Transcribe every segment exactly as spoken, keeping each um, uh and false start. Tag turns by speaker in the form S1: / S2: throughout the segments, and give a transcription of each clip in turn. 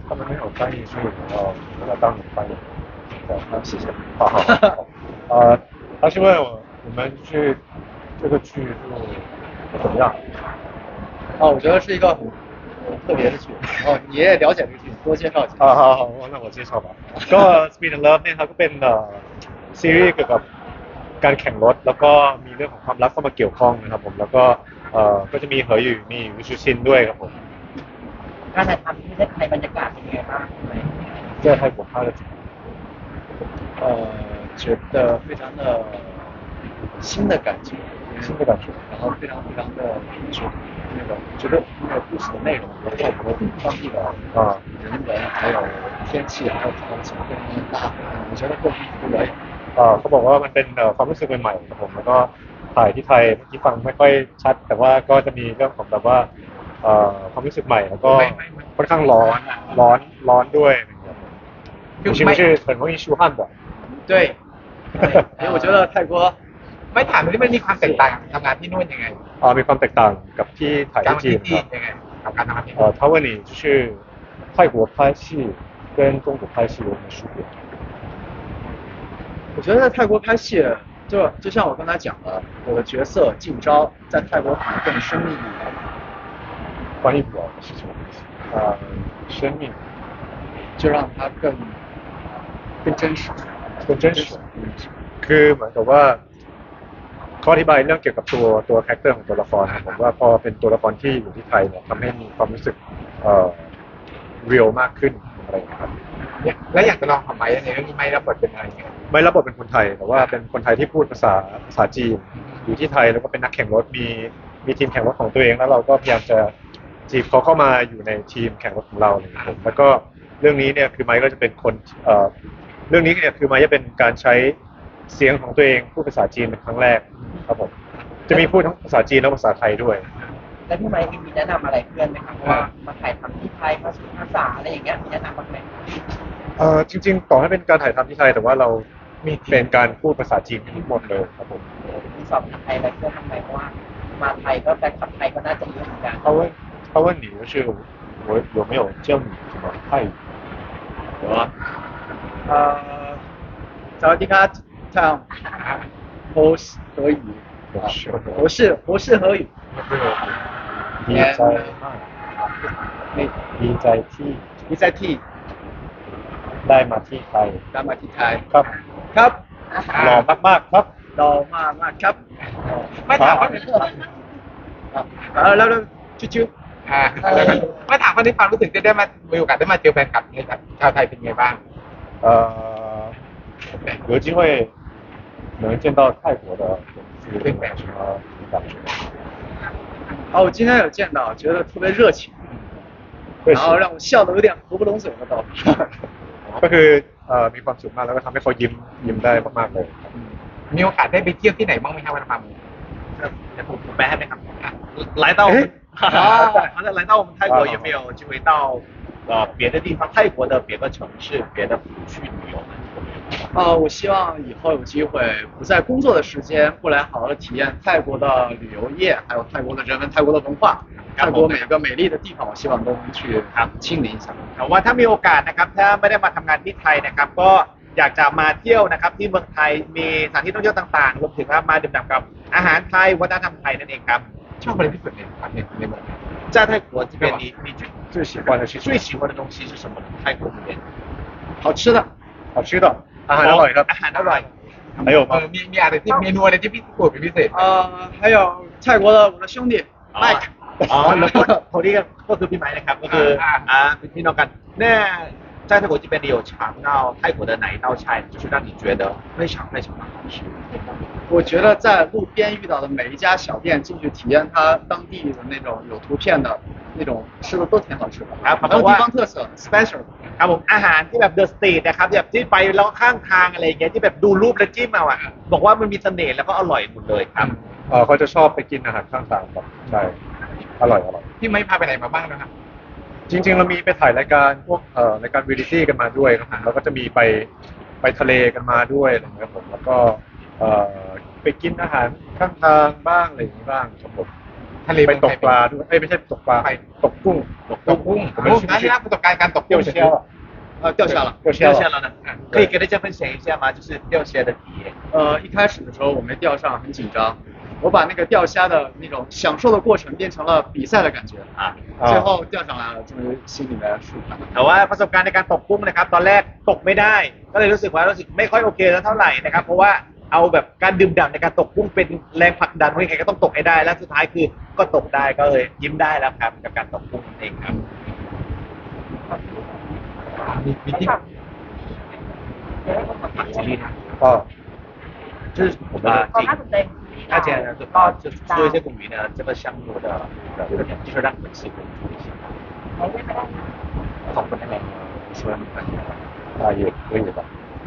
S1: 他们没有翻译，所以我要我要当你翻译。对，
S2: 好，谢谢。
S1: 好好好。呃，他是问我我们去这个剧就怎么样？
S2: 哦，我觉得是一个很很特别的剧，然后你也了解这个剧，多介绍几
S1: อ่า
S2: 下。
S1: ฮะงั้นผม介绍吧ก็ Speed and Love เนี่ยครับก็เป็นเอ่อซีรีส์เกี่ยวกับการแข่งรถแล้วก็มีเรื่องของความรักเข้ามาเกี่ยวข้องนะครับผมแล้วก็เอ่อก็จะมีเหออยู่มีวิชูชินด้วยครับผม
S3: การถ่ายทำที่ประเทศไทยบรรยากาศเป็นยังไงบ้างใช่ไหม
S1: 在泰国拍的
S2: 呃，觉得非常的新的感觉，
S1: 新的感觉
S2: 然后非常非常的觉那个觉得那个故事的内容和泰国当地的
S1: 啊
S2: 人文还有天气还有场景非常的搭，我觉得各地不一样。
S1: เอ่อเขาบอกว่ามันเป็นเอ่อความรู้สึกใหม่ๆครับผมแล้วก็ถ่ายที่ไทยเมื่อกี้ฟังไม่ค่อยชัดแต่ว่าก็จะมีเรื่องของแบบว่าเอ่อความรู้สึกใหม่แล้วก็ค่อนข้างร้อนร้อนร้อนด้วยนะครับ你是不是很容易出汗的
S2: 对，对，因为我觉得泰国
S4: ไม่ถามที่มันมีความแตกต่างกับทำงานที่นู่นยังไง
S1: อ่ามีความแตกต่างกับที่ถ่าย
S4: การ
S1: ที่
S4: ทำ
S1: จีน
S4: ที่
S1: ค
S4: จี
S1: รับ
S4: นยังไงกับการทำงานที่
S1: 呃
S4: นู่น
S1: 他问你就是泰国拍戏跟中国拍戏有什么区别
S2: 我觉得在泰国拍戏，就就像我刚才讲的，我的角色进招在泰国可能更生命一点，
S1: 翻译不了是什么意思呃生命
S2: 就让它更更真实。
S1: 更真实คือเหมือนกับว่าเขาอธิบายเรื่องเกี่ยวกับตัวตัวคาแรคเตอร์ของตัวละครนะผมว่าพอเป็นตัวละครที่อยู่ที่ไทยเนี่ยทำให้มีความรู้สึกเอ่อเรียลมากขึ้นอะไรอย่างเงี้ยครับ
S4: แล้วอยากจะลองทำไหมในเรื่องนี้ไม่รับบทเป็นอะไรเงี้ย
S1: ไม่รับบทเป็นคนไทยแต่ว่าเป็นคนไทยที่พูดภาษาภาษาจีนอยู่ที่ไทยแล้วก็เป็นนักแข่งรถมีมีทีมแข่งรถของตัวเองแล้วเราก็พยายามจะจีบเขาเข้ามาอยู่ในทีมแข่งรถของเราเลยครับผมแล้วก็เรื่องนี้เนี่ยคือไมค์ก็จะเป็นคนเอ่อเรื่องนี้เนี่ยคือไมค์จะเป็นการใช้เสียงของตัวเองพูดภาษาจีนเป็นครั้งแรกครับผมจะมีพูดทั้งภาษาจีนและภาษาไทยด้วย
S3: แล้วพี่ไมค์มีแนะนำอะไรเพื่อนไหมครับเพราะว่ามาถ่ายทำที่ไทยภาษาภาษาอะไรอย่างเงี้ยมีแนะนำบ้างไหม
S1: เอ่อจริงๆต่อให้เป็นการถ่ายทำที่ไทยแต่ว่าเรามีเป็นการพูดภาษาจีนทั้งหมดเลยครับผม
S3: มีสอบภาษาไทยอะไรเพื่อนทำไมเพราะว่ามาไทยก็แฟนคลับไทยก็น่าจะเยอะเหมือนกัน
S1: 他问他问你就是我有没有教你什么泰语
S2: 有啊，呃，萨瓦迪卡唱侯氏和语，
S1: 我是
S2: 侯氏侯氏和语，
S1: ดีใจมากดีใจที่
S2: 你在替
S1: ได้มาที่ไทย
S2: 干嘛替台？
S1: ครับ
S2: ครับ
S1: หล่อมากๆครับ
S2: เรามามาครับ
S4: ไม่ถามว่า
S2: อ่าแล้วแล้วชิว
S4: อ่าแล้วก็ไม่ถามว่าในความรู้สึกที่ได้มามีโอกาสได้มาเจอแฟนคลับในแบบชาวไทยเป็นไงบ้าง
S1: 呃有机会能见到泰国的粉丝有什么感觉
S2: ๆ哦，我今天有见到，觉得特别热情，
S1: 会
S2: 然后让我笑得有点合不拢嘴了都。
S1: ก็คือเอ่อมีความสุขมากแล้วก็ทำให้เขายิ้มยิ้มได้มากๆเลยครับ
S4: มีโอกาสได้ไปเที่ยวที่ไหนบ้างไหมครับวันทำเดี๋ยวผมผมแปลให้ไหมครับ
S5: 来到我们，
S4: 啊
S5: 好的，来到我们泰国有没有机会到呃别的地方，泰国的别的城市、别的府去旅游呢？
S2: 呃，我希望以后有机会不在工作的时间过来好好的体验泰国的旅游业，还有泰国的人文、泰国的文化，泰国每个美丽的地方，我希望都能去亲临一下。
S4: แต่ว่าถ้ามีโอกาสนะครับถ้าไม่ได้มาทำงานที่ไทยนะครับก็อยากจะมาเที่ยวนะครับที่เมืองไทยมีสถานที่ท่องเที่ยวต่างๆรวมถึงว่ามาดื่มด่ำกับอาหารไทยวัฒนธรรมไทยนั่นเองครับชอบอะไรที่สุดในครับในในเมืองไทย在泰国这边你你最
S1: 最喜欢的是
S4: 最喜欢的东西是什么呢泰国这边
S2: 好吃的，
S1: 好吃的อาหารอร่อยครับ
S4: อาหารอร่อย
S1: 还有吗
S4: เออมีมีอะไรที่เมนูอะไรที่พี่โปรดเป็นพิเศษไหม
S2: 呃，还有泰国的我的兄弟 Mike。
S4: อ๋อแล้วก็คนที่ก็คือพี่ไม้นะครับก็คืออ่าเป็นพี่น้องกัน那在泰国这边你有尝到泰国的哪一道菜就是让你觉得非常非常的好吃
S2: 我觉得在路边遇到的每一家小店，进去体验它当地的那种有图片的那种吃的都挺好吃的，
S4: 啊
S2: 很有地方特色，special。
S4: ครับผมอาหารที่แบบเดอะสตรีทนะครับแบบที่ไปแล้วข้างทางอะไรอย่างเงี้ยที่แบบดูรูปแล้วจิ้มเอาอะบอกว่ามันมีเสน่ห์แล้วก็อร่อยหมดเลยครับ
S1: เอ่อเขาจะชอบไปกินอาหารข้างทางครับใช่อร่อยอร่อย
S4: พี่ไม่พาไปไหนมาบ้างนะครับ
S1: จริงๆเรามีไปถ่ายรายการพวกเอ่อรายการวีดิตี้กันมาด้วยครับผมแล้วก็จะมีไปไปทะเลกันมาด้วยอะไรอย่างเงี้ยครับผมแล้วก็เอ่อไปกินอาหารข้างทางบ้างอะไรอย่างงี้บ้างครับผม
S6: ทะเล
S1: ไป
S6: เมือง
S1: ต
S6: ไท
S1: ก
S6: ย
S1: ปลาด้วยเอ้ยไม่ใช่ตกปลา
S6: ไป
S1: ตกกุ้ง
S6: ตกกุ้ง
S1: ผม
S6: โอ้
S1: 们
S6: งั้นได้รับประสบการณ์การตก
S1: 钓
S6: กุ้ง
S1: 虾了，
S2: 呃，掉下了。
S1: 钓
S5: 掉
S1: 虾了，
S5: 下了呢，可以跟大家分享一下吗？就是钓虾的体验。
S2: 呃，一开始的时候我没钓上，很紧张。我把那个钓虾的那种享受的过程变成了比赛的感觉
S5: 啊，
S2: 最后钓上来了，终于心里面舒坦了。
S4: แต่ว่าประสบการณ์ในการตกกุ้งนะครับตอนแรกตกไม่ได้ ก็เลยรู้สึกว่ารู้สึกไม่ค่อยโอเคแล้วเท่าไหร่นะครับเพราะว่าเอาแบบการดื่มด่ำในการตกกุ้งเป็นแรงผลักดันว่ายังไงก็ต้องตกให้ได้และสุดท้ายคือก็ตกได้ก็เลยยิ้มได้แล้วครับกับการตกกุ้งนั่นเองครับ
S6: มีมีที่
S5: 吉利呢？
S1: ก็
S5: 就是我们
S3: ก็
S5: 的
S3: น่าสนใจ
S5: 大家呢就啊就说一些关于呢这个项目的的特点，就是让粉丝关注一下。
S3: ใช้ได้ไหม
S5: ขอบคุณนั่นเอง说你们。
S1: อ่าอยู่可以的。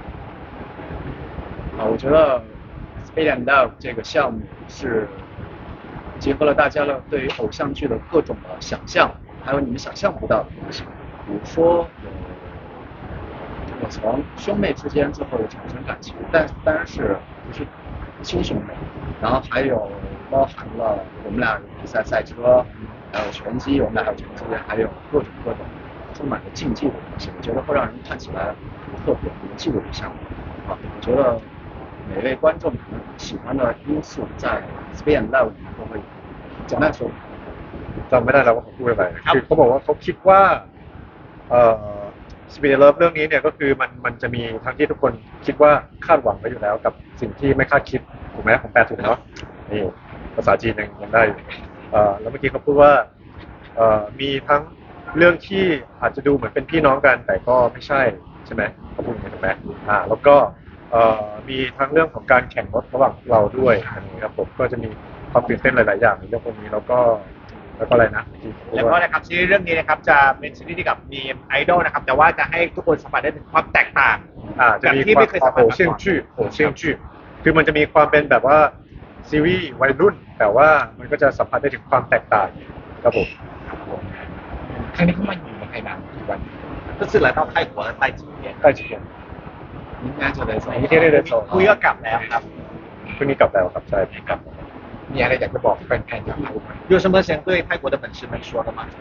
S2: 啊，我觉得 Speed and Love 这个项目是结合了大家的对于偶像剧的各种的想象，还有你们想象不到的东西，比如说有我从兄妹之间最后产生感情，但当然是不是亲兄妹，然后还有包含了我们俩有比赛赛车，还有拳击，我们俩还有拳击，还有各种各种充满了竞技的东西，我觉得会让人看起来特别有纪录的项目啊，我觉得每位观众可能喜欢的因素在 Speed and Love 里面都会简单说。
S1: จำไม่ได้แล้วว่าเขาพูดอะไรคือเขาบอกว่าเขาคิดว่าเอ่อ Speed and Love เรื่องนี้เนี่ยก็คือมันมันจะมีทั้งที่ทุกคนคิดว่าคาดหวังไว้อยู่แล้วกับสิ่งที่ไม่คาดคิดถูกไหมผมแปลถูกเนาะนี่ภาษาจีนยังยังได้อยู่เอ่อแล้วเมื่อกี้เขาพูดว่าเอ่อมีทั้งเรื่องที่อาจจะดูเหมือนเป็นพี่น้องกันแต่ก็ไม่ใช่ใช่ไหมเขาพูดอย่างนี้ถูกไหมอ่าแล้วก็เอ่อมีทั้งเรื่องของการแข่งรถระหว่างเราด้วยอันนี้ครับผมก็จะมีความตื่นเต้นหลาย ๆ อย่างในเรื่องพวกนี้แล้วก็แล้วก็อะไรนะ
S4: แล้วก็นะครับซีรีส์เรื่องนี้นะครับจะเป็นซีรีส์ที่กับมีไอดอลนะครับแต่ว่าจะให้ทุกคนสัมผัสได้ถึงความแตกต่าง
S1: อ่าจะมี
S4: แบบที่
S1: ความ
S4: ไม่เคยสัมผัส
S1: โอ
S4: มา
S1: เชียง
S4: ก่อน
S1: ชื่อโอเชียงชื่อคือมันจะมีความเป็นแบบว่าซีรีส์วัยรุ่น แต่ว่ามันก็จะสัมผัสได้ถึงความแตกต่างครับผม
S6: ครั้งนี้เขามาอยู่เมืองไทยนานกี่วัน
S5: 这次来到泰国了待几天？
S1: ใกล้จะเห็น
S2: 明天就得走。
S1: 明天就得走
S4: คุยก็กลับแล้วครับ
S1: พรุ่งนี้กลับแล้วครับใช่กลับ
S6: มีอะไรอยากจะบอกแฟนๆชาวไทยไหม
S5: 有什么想对泰国的粉丝们说的吗？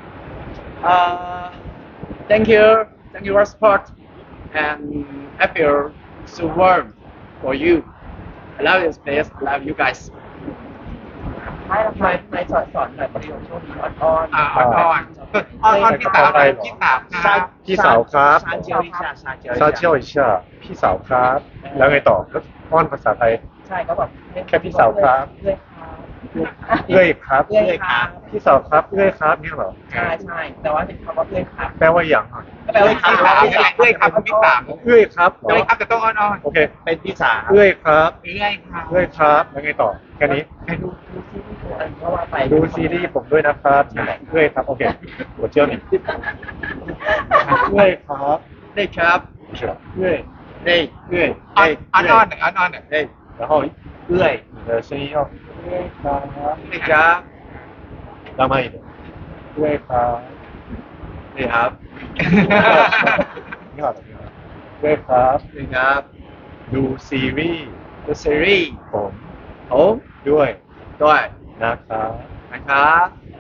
S2: Uh, thank you, thank you for support, and I feel so warm for you. I love this place, I love you guys.
S3: ไม่ละไม่ไม่สอนสอนหน่อยประโยคช่วงนี้อ่อนๆ
S6: อ่าอ่อนๆอ่อนๆพี่สาวพี่สาวครับ
S1: พี่สาวครับ
S5: 撒娇一下，撒娇
S1: ซาเจียวอิชาพี่สาวครับ แล้วไงต่อแล้วอ้อนภาษาไทย
S3: ใช่ก็แบบ
S1: แค่พี่สาวครับ
S3: เอื้อยครับ
S1: เอื้อยครับ
S3: เอื้อยครับ
S1: พี่สาวครับเอื้อยครับเนี่ยเหรอ
S3: ใช่ใช่แต่ว่าเป็นคำว่าเอื้อยครับ
S1: แปลว่าอย่างอ่ะ
S3: แปลว่า
S6: พี่สาวนี่แหละเอ้ยครับพี่สาว
S1: เอื้อยครับเหร
S6: เอ้ย
S1: อ
S6: ครับแต่ต้องอ่อน
S1: โอเค
S5: เป็นพี่สาว
S1: เอื้อยครับ
S6: ๆเอ้ยครับ
S1: เอื้อยครับแล้วไงต่อแค่นี้
S3: ไปดูดูซีรีส์ดูอะไรก็ว่าไป
S1: ดูซีรีส์ผมด้วยนะครับเอื้อยครับโอเคหัวเจียวหนึ่งเอื้อยครับ
S2: 对ครับ
S1: ไม่ใช่เหรอ
S2: 对对对
S6: อ่อน
S2: 对
S6: อ่อนอ่อนหน่อยอ่อนอ่อนหน่อย
S2: 对
S1: 然后เอื้อย你的声音要เอื้อยครับ
S2: 对ครับ
S1: 浪漫一点เอื้อยครับ
S2: 对ครับ
S1: นี่หรอนี่หรอเอื้อยครับ
S2: 对ครับ
S1: ดูซีรีส์
S2: ดูซีรีส์
S1: ผม
S2: ผม
S1: ด้วย
S2: ด้วย
S1: นะครับ
S2: นะครับ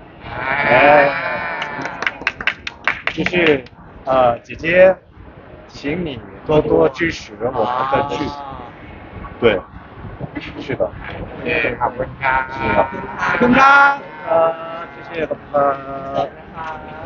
S1: 就是呃姐姐请你多多支持我们的剧对是的
S6: ขอบคุณครับ
S1: 是的
S3: ขอบคุณครับ
S1: 啊谢谢爸爸
S3: นะคะ